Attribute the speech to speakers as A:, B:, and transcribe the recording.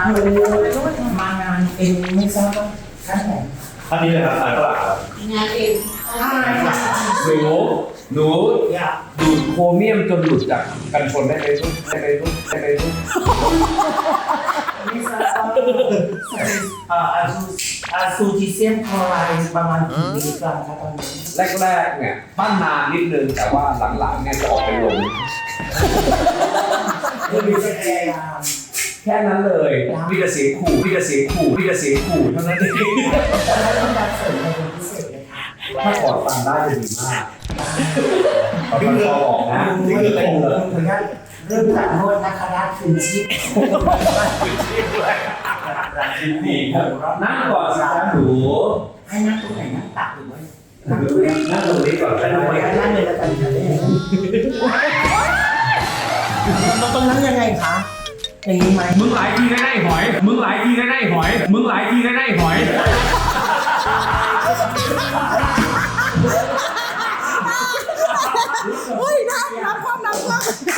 A: มางานเองไม่ทราบว่าท่านไหน
B: ท่านนี้เลยครับนายฝรั่งครับ
C: งานเอง
D: หนู
A: อยาก
D: ดูดโครเมียมจนหลุดจากกันชนได้ไหมลูกได้ไหมลูกได้ไหมลูก
A: ไม่ทราบว่าซูจิเซียมคลอไรด์ประมาณกี่มิลลิกรัมครับตอนนี้
D: แรกๆเนี่ยปั้นนานนิดนึงแต่ว่าหลังๆเนี่ยจะออกเป็นลม
A: คือมีพยายาม
D: แค่นั้นเลยมีแต่เสียงขู่มีแต่เสียงขู่มีแต่เสียงขู่เท่านั้นเอง
A: แล้วต้องการเสริมอะไรเป็นพิเศษเลยค่ะ
D: ถ้าถอดฟันได้จะดีมากถอดฟันคอออกนะ
A: นี่
D: นี่
A: คื
D: คือ อ
A: เป็
D: เป็น นเลย
A: ขออนุญาตเริ่มจากนวดนะคะด้านคืนชีพ
D: ดีครับนั่งก่อนสิครับหนู
A: ให้นั่งตรงไหนนั่งตักหรือว่า
D: นั่งตรงนี้ก่อน
A: ไป
D: ก็
A: ดู
D: ได้
A: ไว้ให้นั่งเลยแล้วกันค่ะตรงนั้นยังไงคะอย่างนี้ไหม
D: มึงหลายทีได้ไหหอยมึงหลายทีได้ไหหอยมึงหลายทีได้ไหหอย
C: เฮ้ยน้ำความ